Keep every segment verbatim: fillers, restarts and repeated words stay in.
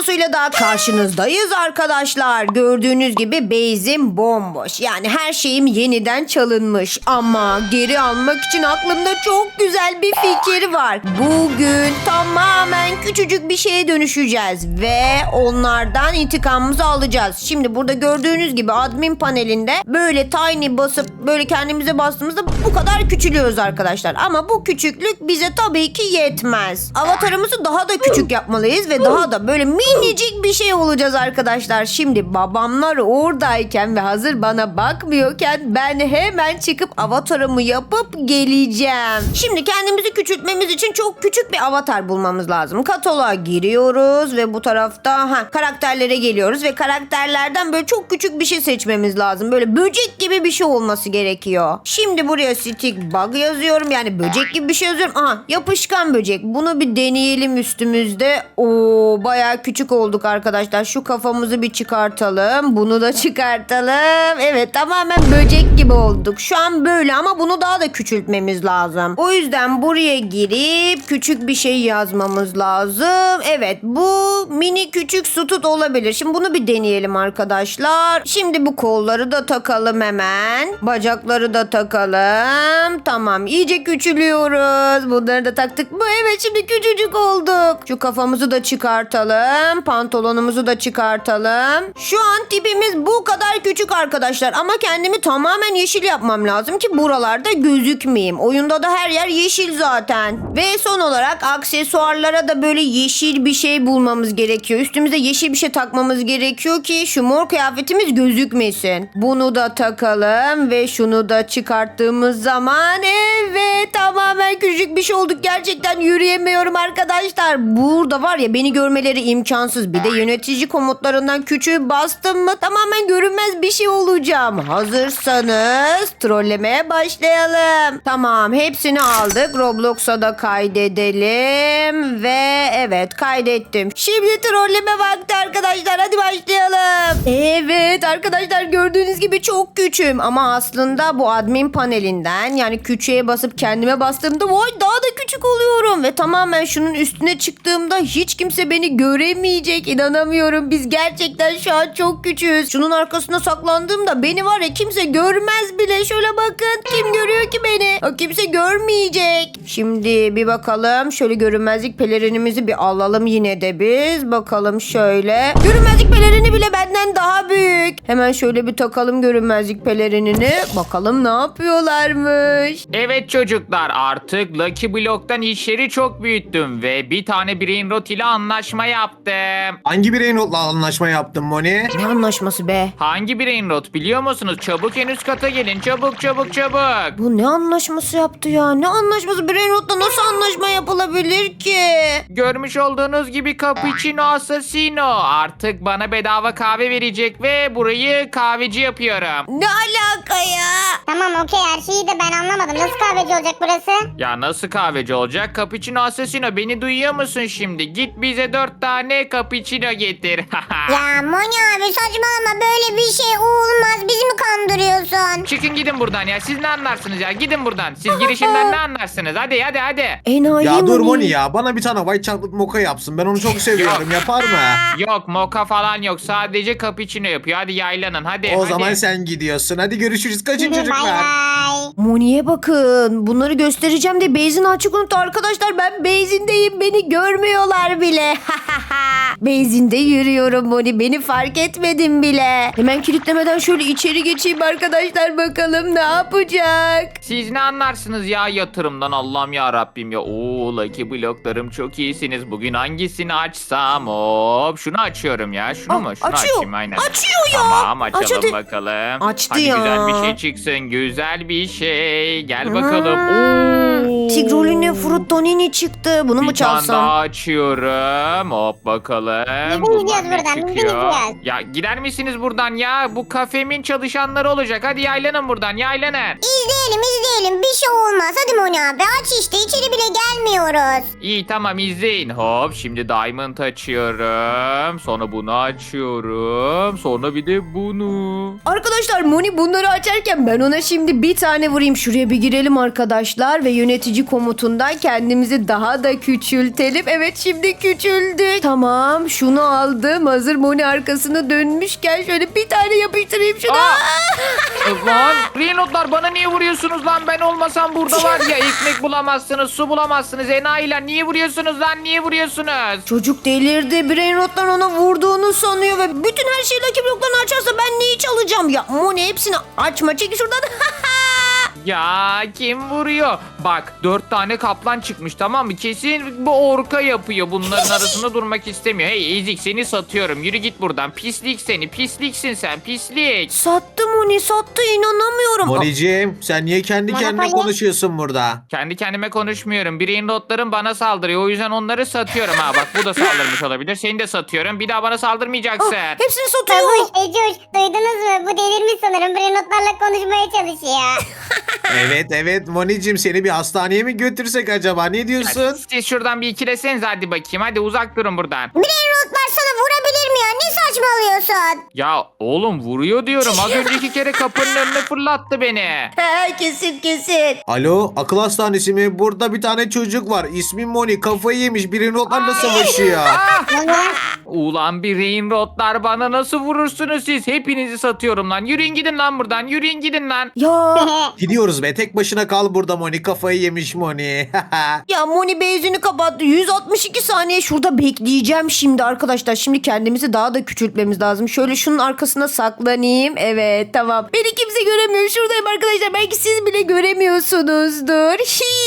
videosuyla daha karşınızdayız arkadaşlar. Gördüğünüz gibi base'im bomboş. Yani her şeyim yeniden çalınmış. Ama geri almak için aklımda çok güzel bir fikir var. Bugün tamamen küçücük bir şeye dönüşeceğiz. Ve onlardan intikamımızı alacağız. Şimdi burada gördüğünüz gibi admin panelinde böyle tiny basıp böyle kendimize bastığımızda bu kadar küçülüyoruz arkadaşlar. Ama bu küçüklük bize tabii ki yetmez. Avatarımızı daha da küçük yapmalıyız ve daha da böyle minicik bir şey olacağız arkadaşlar. Şimdi babamlar oradayken ve hazır bana bakmıyorken ben hemen çıkıp avatarımı yapıp geleceğim. Şimdi kendimizi küçültmemiz için çok küçük bir avatar bulmamız lazım. Kataloğa giriyoruz ve bu tarafta ha, karakterlere geliyoruz ve karakterlerden böyle çok küçük bir şey seçmemiz lazım. Böyle böcek gibi bir şey olması gerekiyor. Şimdi buraya stick bug yazıyorum. Yani böcek gibi bir şey yazıyorum. Aha, yapışkan böcek. Bunu bir deneyelim üstümüzde. Oo, bayağı küçük olduk arkadaşlar. Şu kafamızı bir çıkartalım. Bunu da çıkartalım. Evet, tamamen böcek gibi olduk. Şu an böyle ama bunu daha da küçültmemiz lazım. O yüzden buraya girip küçük bir şey yazmamız lazım. Evet, bu mini küçük sütut olabilir. Şimdi bunu bir deneyelim arkadaşlar. Şimdi bu kolları da takalım hemen. Bacakları da takalım. Tamam, iyice küçülüyoruz. Bunları da taktık mı? Evet, şimdi küçücük olduk. Şu kafamızı da çıkartalım. Pantolonumuzu da çıkartalım. Şu an tipimiz bu kadar küçük arkadaşlar. Ama kendimi tamamen yeşil yapmam lazım ki buralarda gözükmeyeyim. Oyunda da her yer yeşil zaten. Ve son olarak aksesuarlara da böyle yeşil bir şey bulmamız gerekiyor. Üstümüze yeşil bir şey takmamız gerekiyor ki şu mor kıyafetimiz gözükmesin. Bunu da takalım ve şunu da çıkarttığımız zaman evet, tamamen küçük bir şey olduk. Gerçekten yürüyemiyorum arkadaşlar. Burada var ya, beni görmeleri imkansız. Bir de yönetici komutlarından küçüğü bastım mı tamamen görünmez bir şey olacağım. Hazırsanız trollemeye başlayalım. Tamam, hepsini aldık. Roblox'a da kaydedelim ve evet, kaydettim. Şimdi trolleme vakti arkadaşlar. Hadi başlayalım. Evet arkadaşlar, gördüğünüz gibi çok küçüğüm ama aslında bu admin panelinden yani küçüğe basıp kendime bastığımda vay daha da küçük oluyorum ve tamamen şunun üstüne çıktığımda hiç kimse beni göremeyecek. İnanamıyorum, biz gerçekten şu an çok küçüğüz. Şunun arkasına saklandığımda beni var ya kimse görmez bile. Şöyle bakın, kim görüyor ki beni? O kimse görmeyecek. Şimdi bir bakalım, şöyle görünmezlik pelerinimizi bir alalım yine de biz. Bakalım şöyle. Görünmezlik pelerini bile benden daha büyük. Hemen şöyle bir takalım görünmezlik pelerinini. Bakalım ne yapıyorlarmış. Evet çocuklar, artık Lucky Block'tan işleri çok büyüttüm ve bir tane brain rot ile anlaşma yaptım. Hangi bireyin notla anlaşma yaptın Moni? Ne anlaşması be? Hangi brain rot biliyor musunuz? Çabuk en üst kata gelin, çabuk çabuk çabuk. Bu ne anlaşması yaptı ya? Ne anlaşması? Brainrot'la nasıl anlaşma yapılabilir ki? Görmüş olduğunuz gibi Cappuccino Assassino artık bana bedava kahve verecek ve burayı kahveci yapıyorum. Ne alaka ya? Tamam okey, her şeyi de ben anlamadım. Nasıl kahveci olacak burası? Ya nasıl kahveci olacak? Cappuccino Assassino, beni duyuyor musun şimdi? Git bize dört tane cappuccino getir. Ya Moni abi saçmalama, böyle bir şey olmaz. Bizi mi kandırıyorsun? Çıkın gidin buradan ya. Siz ne anlarsınız ya? Gidin buradan. Siz girişimden ne anlarsınız? Hadi hadi hadi. Enayi Ya dur Moni. Moni ya, bana bir tane white chocolate mocha yapsın. Ben onu çok seviyorum. Yapar mı? Yok moka falan yok. Sadece cappuccino yapıyor. Hadi yaylanın hadi. O hadi. zaman sen gidiyorsun. Hadi görüşürüz. Kaçın Bay çocuklar. bay. Moni'ye bakın. Bunları göstereceğim de Beyzin açık unuttu arkadaşlar. Ben Beyzin'deyim. Beni görmüyorlar bile. Beyzin'de yürüyorum Moni. Beni fark etmedin bile. Hemen kilitlemeden şöyle içeri geçeyim arkadaşlar. Bakalım ne yapacak? Siz ne anlarsınız ya yatırımdan, Allah'ım ya Rabbim ya. Oo Lucky Block'larım çok iyisiniz. Bugün hangisini açsam? Hop şunu açıyorum ya. Şunu Aa, mu? Şunu açıyor. açayım aynen. Açıyor ya. Tamam açalım Aç hadi. bakalım. Açtı hadi ya. güzel bir şey çıksın. Güzel bir şey. Gel bakalım. Oo. Tigrolini Fruttonini çıktı. Bunu mu Bir tane çalsam? daha açıyorum. Hop bakalım. Biz Bunlar gidiyoruz ne buradan, biz çıkıyor? gidiyoruz. Ya gider misiniz buradan ya? Bu kafemin çalışanları olacak. Hadi yaylanın buradan, yaylanın. İzleyelim izleyelim, bir şey olmaz. Hadi Moni abi aç işte, içeri bile gelmiyoruz. İyi tamam izleyin. Hop şimdi diamond açıyorum. Sonra bunu açıyorum. Sonra bir de bunu. Arkadaşlar Moni bunları açarken ben ona şimdi bir tane vurayım. Şuraya bir girelim arkadaşlar ve yönetici komutundan kendimizi daha da küçültelim. Evet şimdi küçüldük. Tamam. Tamam, şunu aldım. Hazır Moni arkasını dönmüşken şöyle bir tane yapıştırayım şuna. Aa! E, Lan Brainrotlar bana niye vuruyorsunuz lan? Ben olmasam burada var ya ekmek bulamazsınız, su bulamazsınız. Enayiler niye vuruyorsunuz lan? Niye vuruyorsunuz? Çocuk delirdi. Brainrot'tan ona vurduğunu sanıyor ve bütün her şeyi Lucky Block'tan açarsa ben neyi çalacağım? Ya Moni hepsini açma. Çek şuradan. Ya kim vuruyor? Bak dört tane kaplan çıkmış tamam mı? Kesin bu orka yapıyor. Bunların arasında durmak istemiyor. Hey Ezik seni satıyorum. Yürü git buradan. Pislik seni. Pisliksin sen. Pislik. Sattı Moni, sattı. İnanamıyorum. Monicim sen niye kendi kendine Monopoly. konuşuyorsun burada? Kendi kendime konuşmuyorum. Brainrotlarım bana saldırıyor. O yüzden onları satıyorum. Ha bak bu da saldırmış olabilir. Seni de satıyorum. Bir daha bana saldırmayacaksın. Ah, hepsini satıyor. Babuş, Ecoş duydunuz mu? Bu delirmiş sanırım. Brainrotlarla konuşmaya çalışıyor. Evet evet Monicim seni bir hastaneye mi götürsek acaba? Ne diyorsun? Siz şuradan bir ikileseniz hadi bakayım. Hadi uzak durun buradan. Brainrotlar sana vurabilir mi ya? Ne saçmalıyorsun? Ya oğlum vuruyor diyorum. Az önceki kere kapının önüne fırlattı beni. He, kesin kesin. Alo akıl hastanesi mi? Burada bir tane çocuk var. İsmi Moni. Kafayı yemiş. Brainrotlarla savaşıyor. Ulan bir Brainrotlar bana nasıl vurursunuz siz? Hepinizi satıyorum lan. Yürüyün gidin lan buradan. Yürüyün gidin lan. Ya Gidiyoruz be. Tek başına kal burada Moni. Kafayı yemiş Moni. ya Moni benzini kapattı. yüz altmış iki saniye şurada bekleyeceğim şimdi arkadaşlar. Şimdi kendimizi daha da küçültmemiz lazım. Şöyle şunun arkasına saklanayım. Evet tamam. Beni kimse göremiyor. Şuradayım arkadaşlar. Belki siz bile göremiyorsunuzdur.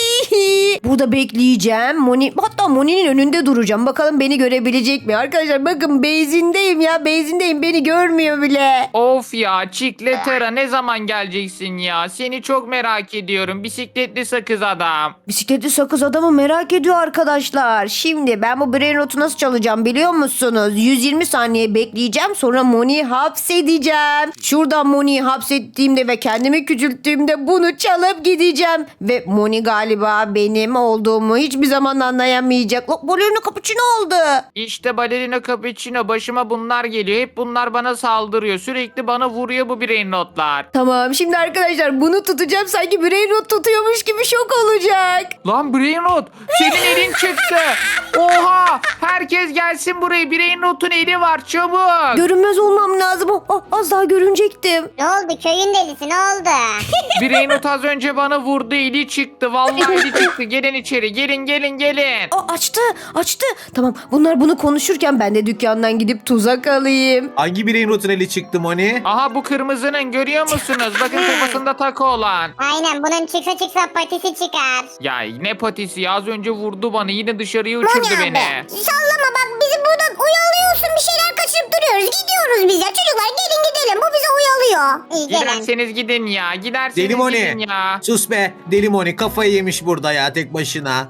Burada bekleyeceğim. Moni, hatta Moni'nin önünde duracağım. Bakalım beni görebilecek mi? Arkadaşlar bakın benzindeyim ya. Benzindeyim. Beni görmüyor bile. Of ya Çikletera ne zaman geleceksin ya? Seni çok merak ediyorum. Bisikletli sakız adam. Bisikletli sakız adamı merak ediyor arkadaşlar. Şimdi ben bu Brainrot'u nasıl çalacağım biliyor musunuz? yüz yirmi saniye bekleyeceğim. Sonra Moni'yi hapsedeceğim. Şuradan Moni'yi hapsettiğimde ve kendimi küçülttüğümde bunu çalıp gideceğim. Ve Moni galiba benim olduğumu hiçbir zaman anlayamayacak. Lo, Ballerina Cappuccino oldu. İşte Balerina Cappuccino başıma bunlar geliyor. Hep bunlar bana saldırıyor. Sürekli bana vuruyor bu Brainrotlar. Tamam şimdi arkadaşlar bunu tutacağım. Sanki Brainrot tutuyormuş gibi şok olacak. Lan Brainrot senin elin çıktı. Oha herkes gelsin buraya. Brainrot'un eli var çabuk. Görünmez olmam lazım. Oh, oh, az daha görünecektim. Ne oldu? Köyün delisi ne oldu? Brainrot az önce bana vurdu eli çıktı. Vallahi eli çıktı. Gelin içeri gelin gelin gelin. Aa, açtı açtı. Tamam bunlar bunu konuşurken ben de dükkandan gidip tuzak alayım. Hangi Brainrot'un eli çıktı Moni? Aha bu kırmızının görüyor musunuz? Bakın kafasında takı olan. Aynen bunun çıksa çıksa patisi çıkar. Ya ne patisi ya az önce vurdu bana yine dışarıya uçurdu Moni abi beni. sallama bak bizi buradan oyalıyorsun bir şeyler kaçırıp duruyoruz. Gidiyoruz biz ya çocuklar gelin gidelim bu bizi oyalıyor. İyi gelin. Giderseniz gidin ya giderseniz Deli gidin Moni. ya. Sus be. Deli Moni kafayı yemiş burada ya tek başına.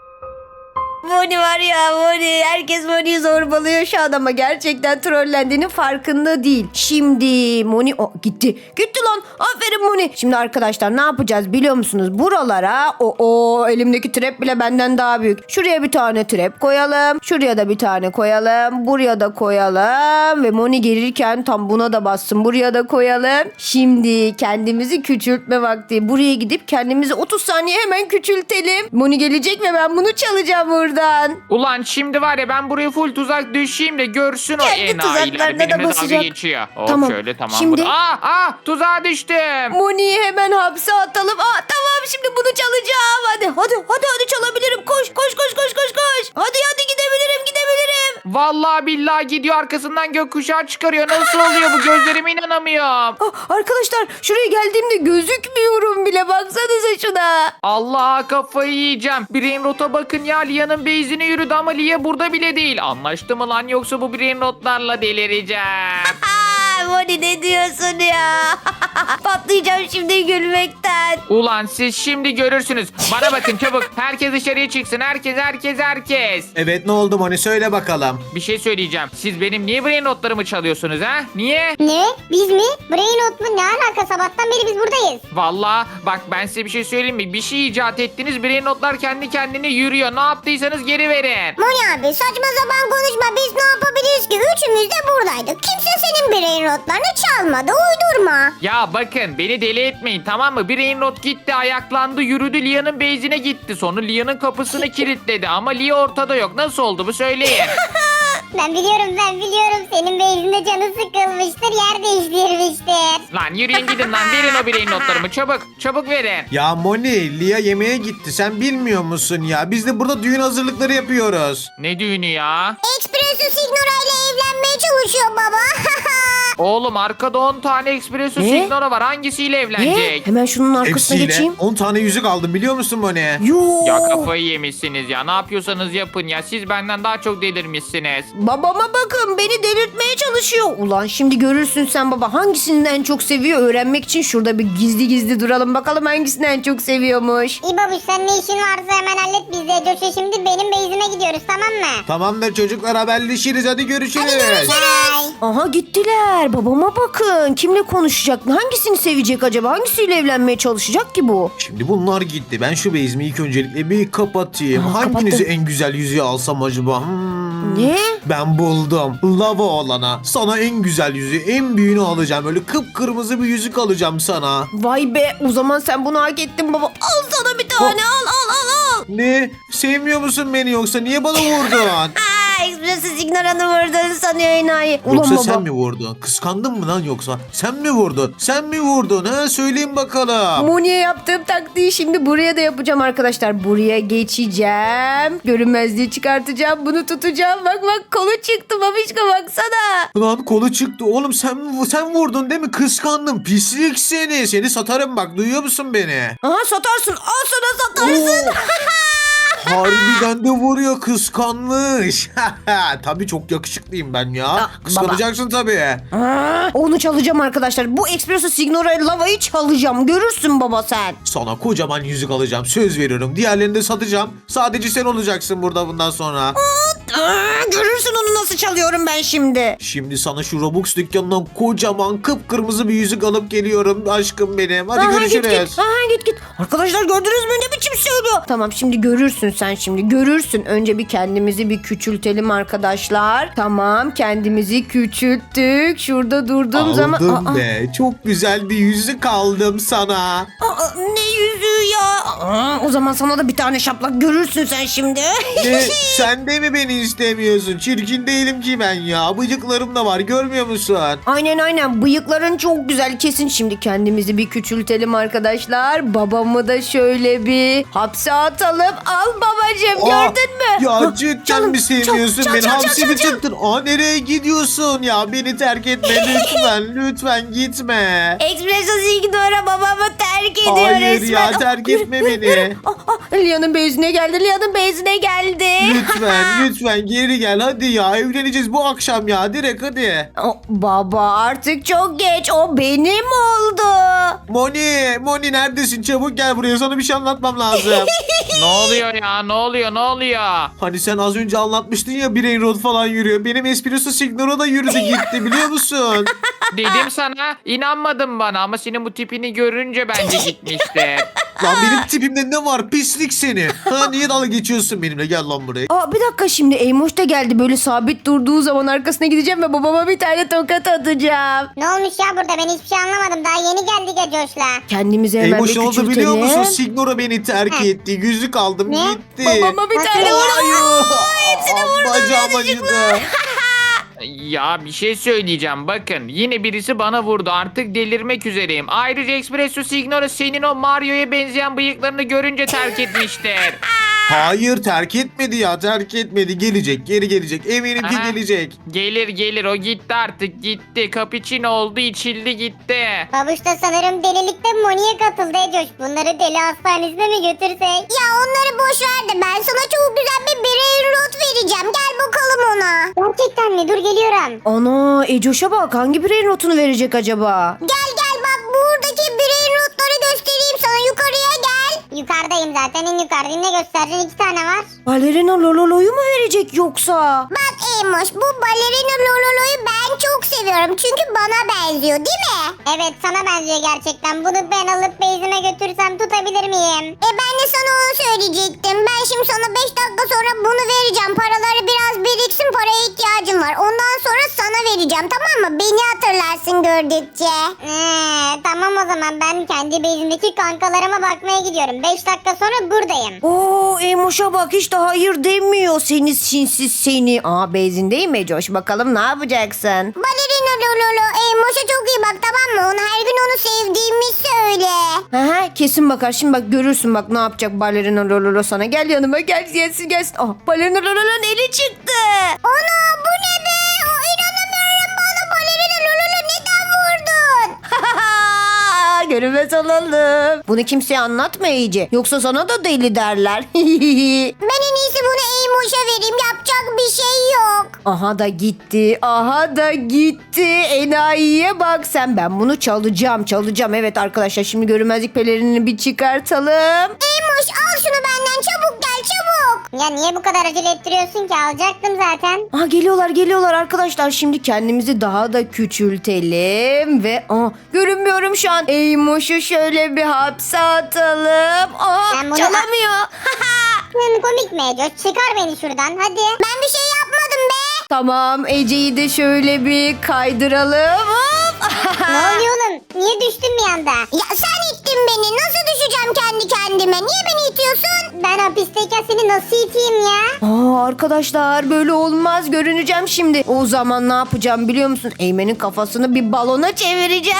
Moni var ya Moni. Herkes Moni'yi zorbalıyor şu an ama gerçekten trollendiğinin farkında değil. Şimdi Moni o gitti. Gitti lan. Aferin Moni. Şimdi arkadaşlar ne yapacağız biliyor musunuz? Buralara o o elimdeki trap bile benden daha büyük. Şuraya bir tane trap koyalım. Şuraya da bir tane koyalım. Buraya da koyalım. Ve Moni gelirken tam buna da bassın. Buraya da koyalım. Şimdi kendimizi küçültme vakti. Buraya gidip kendimizi otuz saniye hemen küçültelim. Moni gelecek ve ben bunu çalacağım buradan. Ulan şimdi var ya ben buraya full tuzak düşeyim de görsün o Kendi enayiler. tuzaklarına da Benimle dalga basacak. geçiyor. Hop Tamam, şöyle tamam. şimdi- Şimdi... Aa, aa tuzağa düştüm. Moni'yi hemen hapse atalım. Aa, tamam şimdi bunu çalacağım. Hadi hadi hadi hadi çalabilirim. Koş koş koş koş koş koş. Hadi hadi gidebilirim gidebilirim. Vallahi billahi gidiyor arkasından gökkuşağı çıkarıyor. Nasıl oluyor bu gözlerime inanamıyorum. Ah, arkadaşlar şuraya geldiğimde gözükmüyorum bile. Baksanıza şuna. Allah kafayı yiyeceğim. Brainrot'a bakın ya Lia'nın base'ine yürüdü ama Lia burada bile değil. Anlaştı mı lan yoksa bu Brainrot'larla delireceğim. Aa, Moni ne diyorsun ya? Patlayacağım şimdi gülmekten. Ulan siz şimdi görürsünüz. Bana bakın çabuk. Herkes dışarıya çıksın. Herkes herkes herkes. Evet ne oldu Moni söyle bakalım. Bir şey söyleyeceğim. Siz benim niye Brainrot'larımı çalıyorsunuz ha? Niye? Ne? Biz mi? Brainrot mu? Ne alaka? Sabahtan beri biz buradayız. Vallahi bak ben size bir şey söyleyeyim mi? Bir şey icat ettiniz. Brainrot'lar kendi kendine yürüyor. Ne yaptıysanız geri verin. Moni abi saçma sapan konuşma. Biz ne yapabiliriz ki? Üçümüz de buradaydık. Kimse senin brainrotlarını çalmadı. Uydurma. Ya bakın beni deli etmeyin tamam mı? Brainrot gitti ayaklandı yürüdü Lia'nın base'ine gitti. Sonra Lia'nın kapısını kilitledi ama Lia ortada yok. Nasıl oldu bu söyleyin. Ben biliyorum ben biliyorum. Senin beyzinde canı sıkılmıştır. Yer değiştirmiştir. Lan yürüyün gidin lan, verin o bireyin notlarımı, çabuk çabuk verin. Ya Moni, Lia yemeğe gitti. Sen bilmiyor musun ya? Biz de burada düğün hazırlıkları yapıyoruz. Ne düğünü ya? Espresso Signora ile evlenmeye çalışıyor baba. Oğlum arkada on tane espresso Ne? signora var, hangisiyle Ne? evlenecek? Hemen şunun arkasına Hepsiyle geçeyim. on tane yüzük aldım biliyor musun Moni? Yoo. Ya kafayı yemişsiniz ya, ne yapıyorsanız yapın ya, siz benden daha çok delirmişsiniz. Babama bakın, beni delirtmeye çalışıyor. Ulan şimdi görürsün sen baba, hangisini en çok seviyor öğrenmek için şurada bir gizli gizli duralım bakalım hangisini en çok seviyormuş. İyi babuş sen ne işin varsa hemen hallet biz de Coş'a şimdi benim beyzime gidiyoruz tamam mı? Tamamdır çocuklar, haberleşiriz. Hadi görüşürüz. Bye. Aha gittiler. Babama bakın. Kimle konuşacak? Hangisini sevecek acaba? Hangisiyle evlenmeye çalışacak ki bu? Şimdi bunlar gitti. Ben şu bezimi ilk öncelikle bir kapatayım. Aa, Hanginizi kapattım. en güzel yüzüğü alsam acaba? Hmm. Ne? Ben buldum. Lava olana. Sana en güzel yüzüğü, en büyüğünü alacağım. Öyle kıpkırmızı bir yüzük alacağım sana. Vay be, o zaman sen bunu hak ettin baba. Al sana bir tane, al al al al. Ne? Sevmiyor musun beni yoksa? Niye bana vurdun? Aa, Espresso Signora'nı vurdun sanıyor enayi. Ulan Yoksa baba. sen mi vurdun? Kıskandın mı lan yoksa? Sen mi vurdun? Sen mi vurdun? Ha? Söyleyin bakalım. Moni'ye yaptığım taktiği şimdi buraya da yapacağım arkadaşlar. Buraya geçeceğim. Görünmezliği çıkartacağım. Bunu tutacağım. Bak bak, kolu çıktı babişko, baksana. Lan kolu çıktı. Oğlum sen sen vurdun değil mi? Kıskandım. Pislik seni. Seni satarım bak. Duyuyor musun beni? Aha satarsın. Al sana satarsın. Oo. Harbiden de vuruyor, kıskanmış. Tabii çok yakışıklıyım ben ya. Aa, Kıskanacaksın tabii. Aa, onu çalacağım arkadaşlar. Bu Espresso Signora lavayı çalacağım. Görürsün baba sen. Sana kocaman yüzük alacağım. Söz veriyorum. Diğerlerini de satacağım. Sadece sen olacaksın burada bundan sonra. Aa, görürsün onu nasıl çalıyorum ben şimdi. Şimdi sana şu Robux dükkanından kocaman kıpkırmızı bir yüzük alıp geliyorum aşkım benim. Hadi Aha, görüşürüz. Git git. Aha, git git. Arkadaşlar gördünüz mü ne biçim söylüyor? Tamam şimdi görürsün sen şimdi. Görürsün. Önce bir kendimizi bir küçültelim arkadaşlar. Tamam, kendimizi küçülttük. Şurada durduğum Aldım zaman. Aa, be. Çok güzel bir yüzük aldım sana. aa, ne yüzüğü ya? Aa, o zaman sana da bir tane şaplak, görürsün sen şimdi. Ne? Sen de mi beni istemiyorsun? Çirkin değilim ki ben ya. Bıcıklarım da var, görmüyor musun? Aynen aynen, bıyıkların çok güzel, kesin. Şimdi kendimizi bir küçültelim arkadaşlar. Babamı da şöyle bir hapse atalım. Al babacığım, Aa, gördün mü? Ya Ha, cidden canım, mi seviyorsun çal, çal, beni? çal, Hamsi çal, mi çal. çıktın? Aa, nereye gidiyorsun ya? Beni terk etme lütfen. Lütfen gitme. Espresso Signora babamı terk ediyor Hayır resmen. ya, Ah, terk yürü, etme yürü, beni. yürü. Ah, ah, Lia'nın bezine geldi. Lia'nın bezine geldi. Lütfen lütfen geri gel hadi ya. Evleneceğiz bu akşam ya. Direkt hadi. Oh, baba artık çok geç. O benim oldu. Moni, Moni neredesin? Çabuk gel buraya. Sana bir şey anlatmam lazım. Ne oluyor ya, ne oluyor ne oluyor? Hani sen az önce anlatmıştın ya, Brain Rot falan yürüyor. Benim Espresso Signora da yürüdü gitti biliyor musun? Dedim sana, inanmadın bana ama senin bu tipini görünce bence gitmişti. Lan benim tipimde ne var? Pislik seni. Ha, niye dalga geçiyorsun benimle? Gel lan buraya. Aa, bir dakika, şimdi Eymoş da geldi. Böyle sabit durduğu zaman arkasına gideceğim ve babama bir tane tokat atacağım. Ne olmuş ya burada ben hiçbir şey anlamadım. Daha yeni geldik ya Coş'la. Kendimizi hemen Eymoş bir ne oldu küçültelim. biliyor musun? Signora beni terk Heh. etti. Yüzük aldım Ne? gitti. Babama bir tane Nasıl ya? vurdu. Hepsini Bacağım acıdı. Ya bir şey söyleyeceğim, bakın yine birisi bana vurdu, artık delirmek üzereyim. Ayrıca Espresso Signora senin o Mario'ya benzeyen bıyıklarını görünce terk etmiştir. Hayır, terk etmedi ya, terk etmedi. Gelecek, geri gelecek. Eminim ki Aha. gelecek. Gelir gelir, o gitti artık, gitti. Cappuccino oldu, içildi gitti. Babuş da sanırım delilikte Moni'ye katıldı ya Coş. Bunları deli hastanesine mi götürsek? Ya onları boş ver de ben sana çok güzel bir birey rot vereceğim. Gel bakalım ona. Gerçekten mi? Dur geliyorum. Ana Ecoş'a bak, hangi birey notunu verecek acaba? Gel gel bak buradaki birey notları göstereyim sana. Yukarıya gel. Yukarıdayım zaten en yukarıdayım. Ne göstereceksin? İki tane var. Balerina Lololo'yu mu verecek yoksa? Bak Eymoş bu balerina Lololo'yu ben çok seviyorum. Çünkü bana benziyor değil mi? Evet sana benziyor gerçekten. Bunu ben alıp beyzime götürsem tutabilir miyim? E ben de sana onu söyleyecektim. Ben şimdi sana beş dakika sonra bunu vereceğim. Paraları biraz biriksin, paraya ihtiyacım var. Ondan sonra sana vereceğim tamam mı? Beni hatırlarsın gördükçe. Ee, tamam o zaman ben kendi bezimdeki kankalarıma bakmaya gidiyorum. beş dakika sonra buradayım. Oo Emoş'a bak hiç de hayır demiyor seni sinsiz seni. Aa bezindeyim Ecoş bakalım ne yapacaksın? Balerina Lololo. Emoş'a çok iyi bak, tamam mı? Ona her gün onu sevdiğimi söyle. Aha, kesin bakar şimdi bak görürsün bak ne yapacak balerina lololo sana. Gel yanıma gel gelsin gelsin. Ah balerina lololo'nun eli çıktı. Ana bu ne be? O, inanamıyorum, bana balerina Lololo neden vurdun? Görünmez olalım. Bunu kimseye anlatma iyice. Yoksa sana da deli derler. Ben en iyisi bunu Emoş'a vereyim. Yapacak bir şey yok. Aha da gitti. Aha da gitti. Enayiye bak sen. Ben bunu çalacağım çalacağım. Evet arkadaşlar şimdi görünmezlik pelerinini bir çıkartalım. Emoş al şunu benden, çabuk gel çabuk. Ya niye bu kadar acele ettiriyorsun ki? Alacaktım zaten. Aha geliyorlar geliyorlar arkadaşlar. Şimdi kendimizi daha da küçültelim. Ve aa, görünmüyorum şu an. Eymoş'u şöyle bir hapse atalım. Aa, Ben bunu- çalamıyor. Hı, komik mi Ecoş? Çıkar beni şuradan hadi. Ben bir şey yapmadım be. Tamam Ece'yi de şöyle bir kaydıralım. Hop. Ne oluyor oğlum? Niye düştün bir anda? Ya sen ittin beni. Nasıl düşeceğim kendi kendime? Niye beni itiyorsun? Ben hapisteyken seni nasıl iteyim ya? Aa, arkadaşlar böyle olmaz görüneceğim şimdi. O zaman ne yapacağım biliyor musun? Eymen'in kafasını bir balona çevireceğim.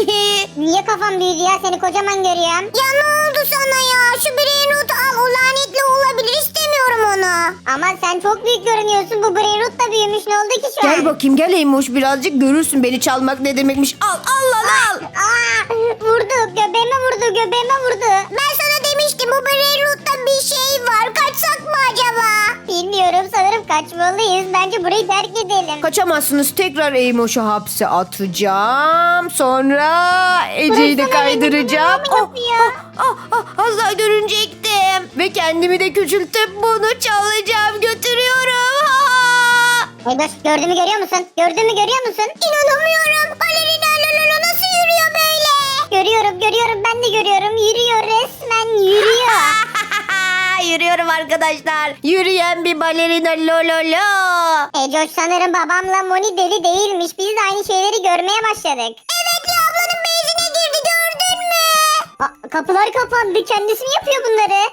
Niye kafam büyüdü ya? Seni kocaman görüyorum. Ya ne oldu sana ya? Şu Brainroot al. O lanetli olabilir. İstemiyorum onu. Ama sen çok büyük görünüyorsun. Bu Brainroot da büyümüş. Ne oldu ki şu an? Gel bakayım gel Eymoş birazcık görürsün beni çalmak ne demekmiş. Al al lan al. Aa, vurdu. Göbeğime vurdu. Göbeğime vurdu. Ben sana demiştim. Bu Brainroot'ta bir şey var. Kaçsak mı acaba? Bilmiyorum. Sanırım kaçmalıyız. Bence burayı terk edelim. Kaçamazsınız tekrar Eymoş'u hapse atacağım. Sonra Ece'yi de Bıraksana beni, kaydıracağım. bunu yapıyor. oh, oh, az daha görünecektim. Ve kendimi de küçültüp bunu çalacağım götürüyorum. Ha! Egoş gördüğümü görüyor musun? Gördüğümü görüyor musun? İnanamıyorum. Balerina Lololo nasıl yürüyor böyle? Görüyorum görüyorum ben de görüyorum. Yürüyor resmen yürüyor. Yürüyorum arkadaşlar. Yürüyen bir balerina lololo. Ecoş sanırım babamla Moni deli değilmiş. Biz de aynı şeyleri görmeye başladık. Evet ya, ablanın benzine girdi, gördün mü? Aa, kapılar kapandı. Kendisi mi yapıyor bunları?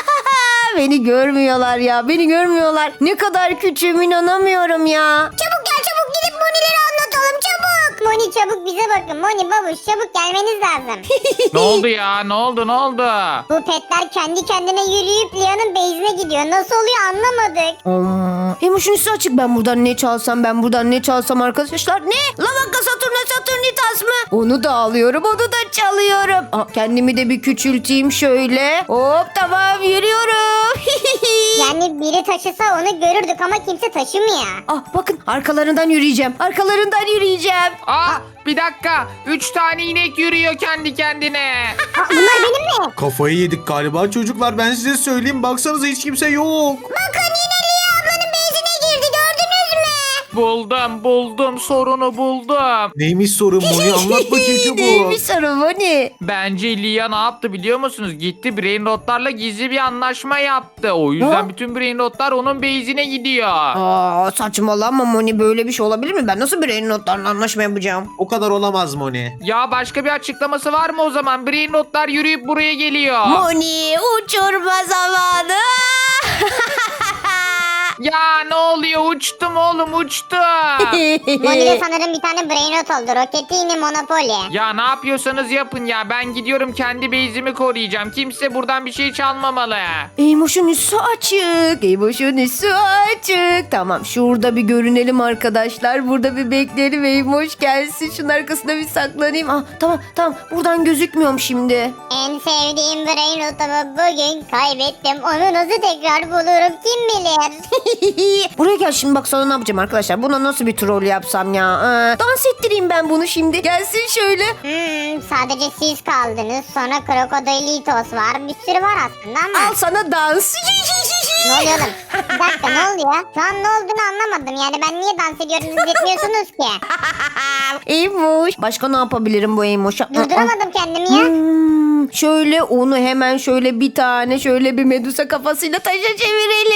Beni görmüyorlar ya. Beni görmüyorlar. Ne kadar küçüğüm inanamıyorum ya. Çabuk gel çabuk, gidip Moni'leri anlatalım çabuk. Moni çabuk bize bakın. Moni babuş çabuk gelmeniz lazım. Ne oldu ya? Ne oldu? Ne oldu? Bu petler kendi kendine yürüyüp Lia'nın base'ine gidiyor. Nasıl oluyor anlamadık. Emoş'un üstü açık. Ben buradan ne çalsam ben buradan ne çalsam arkadaşlar. Ne? Lavaka Saturna Saturnitas mı? Onu da alıyorum onu da çalıyorum. Aa, kendimi de bir küçülteyim şöyle. Hop tamam yürüyorum. Yani biri taşısa onu görürdük ama kimse taşımıyor. Ah bakın arkalarından yürüyeceğim. Arkalarından yürüyeceğim. Aa, bir dakika. Üç tane inek yürüyor kendi kendine. Aa, bunlar benim mi? Kafayı yedik galiba çocuklar, ben size söyleyeyim, baksanıza hiç kimse yok. Bakın yine Lia ablanın base'ine girdi, gördünüz mü? Buldum buldum sorunu buldum. Neymiş sorun Moni, anlat bakayım çabuk. Neymiş sorun bu ne? Bence Lia ne yaptı biliyor musunuz? Gitti Brainrot'larla gizli bir anlaşma yaptı. O yüzden Ha? bütün Brainrot'lar onun base'ine gidiyor. Aa saçmalama Moni böyle bir şey olabilir mi? Ben nasıl bir notlarla anlaşma yapacağım? O kadar olamaz Moni. Ya başka bir açıklaması var mı o zaman? Brainrot'lar yürüyüp buraya geliyor. Moni uçurma zamanı. Ya ne oluyor? Uçtum oğlum uçtum. Moni'de sanırım bir tane brainrot oldu. Roketini Monopoly. Ya ne yapıyorsanız yapın ya. Ben gidiyorum kendi base'imi koruyacağım. Kimse buradan bir şey çalmamalı. Eymoş'un üstü açık. Eymoş'un üstü açık. Tamam şurada bir görünelim arkadaşlar. Burada bir bekleyelim Eymoş gelsin. Şunun arkasına bir saklanayım. Ah, tamam tamam buradan gözükmüyorum şimdi. En sevdiğim brainrotumu bugün kaybettim. Onu nasıl tekrar bulurum kim bilir. Buraya gel şimdi bak sana ne yapacağım arkadaşlar. Buna nasıl bir troll yapsam ya. Ee, dans ettireyim ben bunu şimdi. Gelsin şöyle. Hmm, sadece siz kaldınız. Sonra Krokodilitos var. Bir sürü var aslında ama. Al sana dans. Ne oluyor oğlum? Bir dakika ne oluyor? Şu an ne olduğunu anlamadım. Yani ben niye dans ediyorum siz etmiyorsunuz ki? Eymoş. Başka ne yapabilirim bu Eymoş'a? Durduramadım kendimi ya. Hmm, şöyle onu hemen şöyle bir tane şöyle bir medusa kafasıyla taşa çevirelim.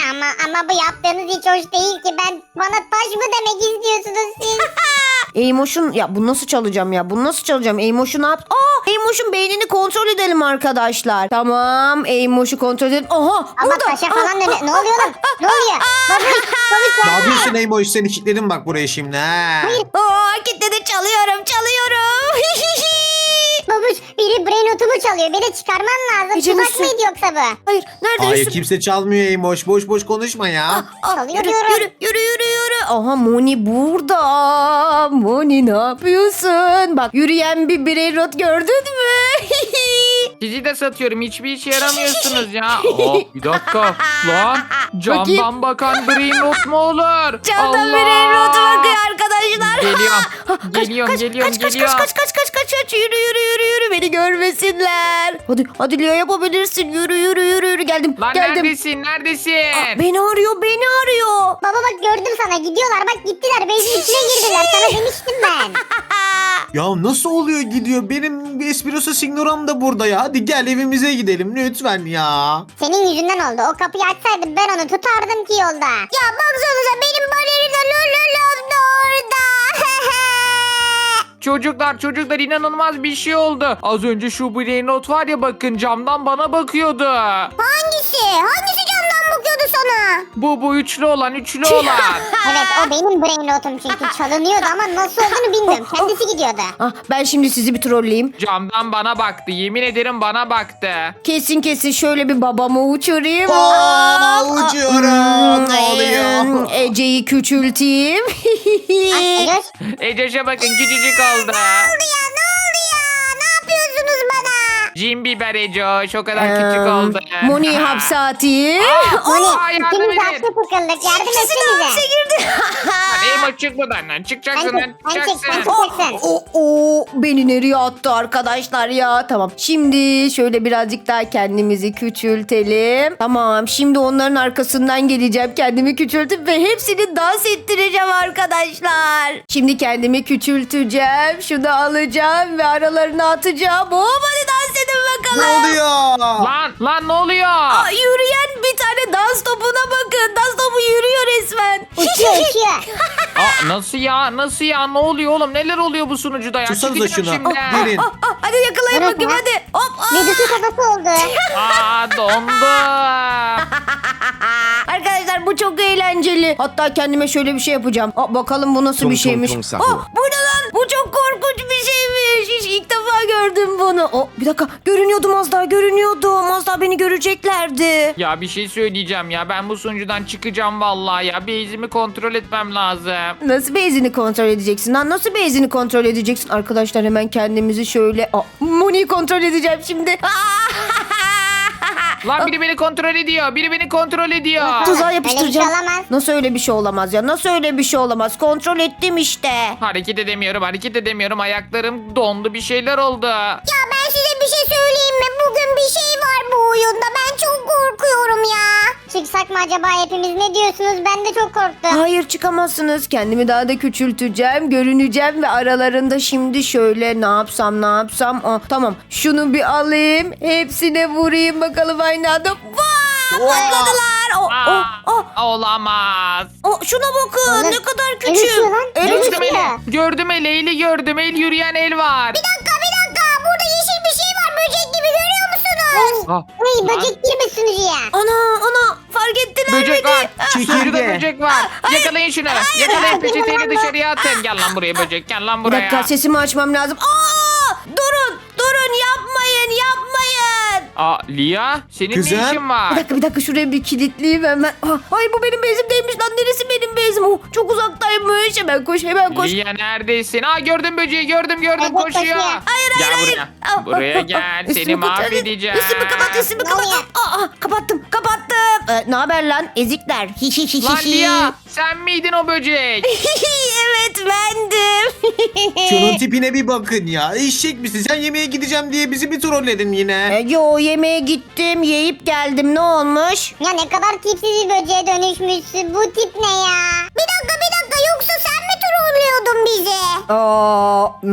ama ama bu yaptığınız hiç hoş değil ki. Ben bana taş mı demek istiyorsunuz siz? Eymoş'un ya bunu nasıl çalacağım ya? Bunu nasıl çalacağım? Eymoş'u ne yap? Aa, Eymoş'un beynini kontrol edelim arkadaşlar. Tamam, Eymoş'u kontrol edelim. Aha, Ama burada. taşa falan dönüyor. Ne oluyor lan? Ne oluyor? Babuş, babuş Ne ya. yapıyorsun Eymoş? Seni kilitledim bak buraya şimdi. Ha. Aa, kitledi, çalıyorum, çalıyorum. Babuş biri brain otumu çalıyor. Beni çıkarman lazım. Ece Tuzak nasıl? mıydı yoksa bu? Hayır, nerede? Hayır Üstüm- kimse çalmıyor Eymoş. Boş boş konuşma ya. Aa, Çalıyor yürü, diyorum. yürü, yürü, yürü, yürü. Aha, Moni burada. Moni ne yapıyorsun? Bak, yürüyen bir birey rot gördün mü? Sizi de satıyorum. Hiçbir işe yaramıyorsunuz ya. Oh, bir dakika. Lan camdan bakan brain rot mu olur? Camdan Allah! birey rot bakıyor arkadaşlar. Geliyorum. Kaç, Geliyorum, kaç, geliyorum, kaç, kaç, geliyorum. Kaç, kaç, kaç, kaç, kaç, yürü, yürü, yürü, yürü, beni görmesinler. Hadi, hadi Leo, yapabilirsin. Yürü, yürü, yürü, yürü. Geldim, Lan geldim. neredesin? Neredesin? Aa, beni arıyor, beni arıyor. Baba bak gördüm sana. Gidiyorlar bak gittiler. Beyzin içine girdiler. Sana demiştim ben. Ya nasıl oluyor gidiyor? Benim espresso signoram da burada ya. Hadi gel evimize gidelim lütfen ya. Senin yüzünden oldu. O kapıyı açsaydım ben onu tutardım ki yolda. Ya baksanıza benim balerina lololom da orada. Çocuklar çocuklar inanılmaz bir şey oldu. Az önce şu brain rot var ya, bakın camdan bana bakıyordu. Hangisi? Hangisi camdan bakıyordu sana? Bu bu üçlü olan üçlü olan. Evet o benim brain rotum çünkü çalınıyordu ama nasıl olduğunu bilmiyorum. Kendisi gidiyordu. Ah, ben şimdi sizi bir trolleyeyim. Camdan bana baktı. Yemin ederim bana baktı. Kesin kesin şöyle bir babamı uçurayım. Aa, Hop. uçuyorum. Hmm, Ne oluyor? em, Ece'yi küçülteyim. Ecoş. Ecoş'a bakın, küçücük oldu. Ya ne oldu ya? Ne yapıyorsunuz bana? Cin biber Ecoş, o kadar küçük Em, oldu. Moni'yi hapse atayım. Moni Aa, yardım ikimiz edin. hapse tıkıldık. Yardım İkisi de hapse etsenize. girdi. Eymoş çık buradan lan. Çıkacaksın Sen lan. çık, sen çık, Çıkacaksın. sen çık. O, o, o, beni nereye attı arkadaşlar ya? Tamam. Şimdi şöyle birazcık daha kendimizi küçültelim. Tamam. Şimdi onların arkasından geleceğim. Kendimi küçültüp ve hepsini dans ettireceğim arkadaşlar. Şimdi kendimi küçülteceğim. Şunu alacağım ve aralarına atacağım. Hop, hadi dans edin bakalım. Ne oluyor? Lan lan ne oluyor? Aa, yürüyen bir tane dans topuna bakın. Dans topu yürüyor resmen. Uçuyor uçuyor. Aa, nasıl ya? Nasıl ya? Ne oluyor oğlum? Neler oluyor bu sunucuda ya? Tutsanıza Çıkacağım şunu. şimdi. Gelin. Ah, ah, hadi yakalayın Bırak bakayım ya. hadi. Hop. ah. Medusa kafası oldu. Aa, dondum. Arkadaşlar bu çok eğlenceli. Hatta kendime şöyle bir şey yapacağım. Aa, bakalım bu nasıl Tum bir tum şeymiş. tum Aa, sahur. bu ne lan? Bu çok korkunç bir şeymiş. Hiç ilk defa gördüm bunu. Aa, bir dakika, görünüyordum az daha, görünüyordum. Az daha beni göreceklerdi. Ya bir şey söyleyeceğim ya. Ben bu sunucudan çıkacağım vallahi ya. Base'imi kontrol etmem lazım. Nasıl base'ini kontrol edeceksin lan? Nasıl base'ini kontrol edeceksin? Arkadaşlar hemen kendimizi şöyle... Aa, Moni'yi kontrol edeceğim şimdi. Lan biri beni kontrol ediyor. Biri beni kontrol ediyor. Tuzağa Öyle yapıştıracağım. bir şey olamaz. Nasıl öyle bir şey olamaz ya? Nasıl öyle bir şey olamaz? Kontrol ettim işte. Hareket edemiyorum, hareket edemiyorum. Ayaklarım dondu, bir şeyler oldu. Ya ben size bir şey söyleyeyim mi? Bugün bir şey var bu oyunda. Ben çok korkuyorum ya. Çıksak mı acaba hepimiz? Ne diyorsunuz? Ben de çok korktum. Hayır, çıkamazsınız. Kendimi daha da küçülteceğim. Görüneceğim ve aralarında şimdi şöyle ne yapsam ne yapsam. Aa, tamam, şunu bir alayım. Hepsine vurayım bakalım aynı anda. Vaa! Patladılar. O, o, o, Aa, olamaz. o, şuna bakın, Oğlum, ne kadar el küçük. uçuyor lan, El el uçuyor. Gördüm uçuyor. eli. Gördüm eli. Eli gördüm. El, yürüyen el var. Bir dakika bir dakika. Burada yeşil bir şey var. Böcek gibi görüyor musunuz? Ah, Ay lan. böcek girmiş sunucuya. Ana ana, fark ettiler Böcek beni. var. Çekirge. Sunucuda böcek var. Yakalayın şunu. Yakalayın, peçeteyle dışarıya atın. Gel lan buraya böcek. Gel lan Bir buraya. dakika, sesimi açmam lazım. Aa! Durun, durun, yapmayın, yapmayın. Aa, Lia, senin Kızım. ne işin var? Bir dakika, bir dakika, şuraya bir kilitleyeyim hemen. Ah, ay, bu benim bezim değilmiş lan. Neresi benim bezim? Oh, çok uzaktaymış. Hemen koş, hemen koş. Lia neredesin? Aa, gördüm böceği, gördüm gördüm, Evet, koşuyor. koşuyor. Hayır, Gel hayır, buraya. hayır. Ah, Buraya ah, ah, gel. ah. Seni Üstümü kapat, mahvedeceğim. Üstümü kapat, üstümü Ne kapat. oluyor? Aa, aa, kapattım, kapattım. Ee, ne haber lan ezikler? Hi hi hi Lan hi hi. Lia, sen miydin o böcek? Evet, bendim. Şunun tipine bir bakın ya. Eşek misin? Sen yemeğe gideceğim diye bizi bir trolledin yine. Ee, yo, yemeğe gittim, yiyip geldim. Ne olmuş? Ya ne kadar tipsiz bir böceğe dönüşmüşsün. Bu tip ne ya? Bir dakika bir dakika. Yoksa sen mi trollüyordun bizi? Aa, hmm,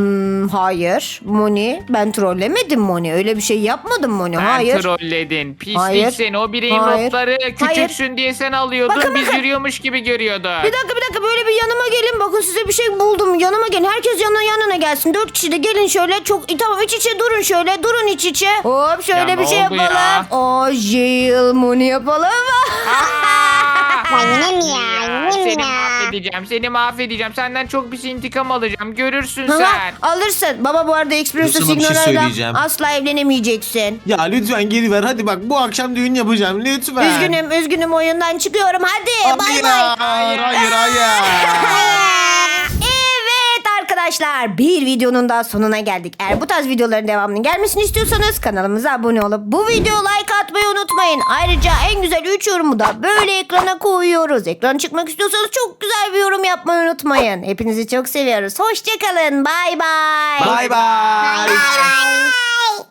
Hmm, hayır. Moni ben trollemedim Moni. Öyle bir şey yapmadım Moni. Sen Hayır. trolledin. Pislik Hayır. seni. O bireyin Hayır. notları küçüksün Hayır. diye sen alıyordun. Bakın, Biz bakın. yürüyormuş gibi görüyorduk. Bir dakika bir dakika böyle bir yanıma gelin. Bakın size bir şey buldum. Yanıma gelin. Herkes yanına yanına gelsin. Dört kişi de gelin şöyle. Çok e, tamam iç içe durun şöyle. Durun iç içe. Hop şöyle Ya bir ne şey oldu yapalım. ya? O jail Moni yapalım. Ya yine mi ya? Yine mi Seni ya? mahvedeceğim. Seni mahvedeceğim. Senden çok pis intikam alacağım. Görürsün Ha, sen. alırsın. Baba bu arada Express'e Sana bir şey Signora'yla söyleyeceğim. asla evlenemeyeceksin. Ya lütfen geri ver. Hadi bak bu akşam düğün yapacağım. Lütfen. Üzgünüm üzgünüm oyundan çıkıyorum. Hadi Hadi bay ya. bay. Hayır hayır hayır. Evet arkadaşlar bir videonun daha sonuna geldik. Eğer bu tarz videoların devamının gelmesini istiyorsanız kanalımıza abone olup bu videoya like atmayı unutmayın. Ayrıca en güzel üç yorumu da böyle ekrana koyuyoruz. Ekran çıkmak istiyorsanız çok güzel bir yorum yapmayı unutmayın. Hepinizi çok seviyoruz. Hoşçakalın. Bay bay. Bay bay. Bye.